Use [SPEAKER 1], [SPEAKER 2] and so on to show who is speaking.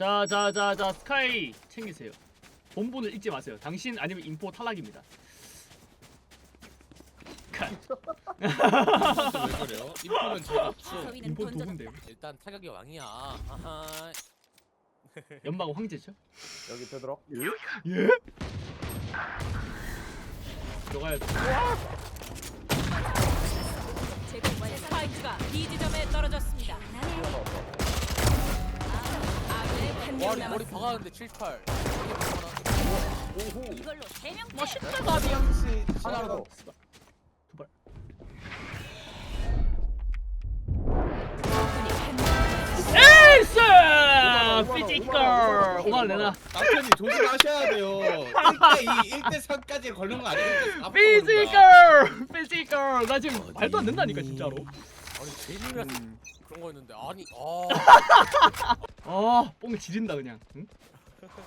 [SPEAKER 1] 자 스카이 챙기세요. 본분을 잊지 마세요. 당신 아니면 인포 탈락입니다. 컷.
[SPEAKER 2] 왜 그래요? 인포는 제가 없어.
[SPEAKER 3] 서위는
[SPEAKER 1] 인포
[SPEAKER 3] 던져졌다.
[SPEAKER 1] 누군데요?
[SPEAKER 4] 일단 타격이 왕이야. 아하.
[SPEAKER 1] 연막 황제죠?
[SPEAKER 5] 여기 되도록.
[SPEAKER 1] 예? 들어가야 돼.
[SPEAKER 3] 제공 완료. 스파이크가 B 지점에 떨어졌습니다. 아군의 한명
[SPEAKER 4] 머리
[SPEAKER 3] 남았습니다.
[SPEAKER 4] 박았는데 78.
[SPEAKER 3] 이걸로 3명
[SPEAKER 1] 맛있다 가비양.
[SPEAKER 5] 하나 더.
[SPEAKER 1] 두발. 에이스! 피지컬. 5만 내놔.
[SPEAKER 2] 남편이 조심하셔야 돼요. 1대2, 1대3까지 걸는 거 아니니까.
[SPEAKER 1] 피지컬. 나 지금 말도 안 된다니까 진짜로.
[SPEAKER 4] 아니 제니가 그런 거였는데 아니
[SPEAKER 1] 뽕을 지린다 그냥. 응?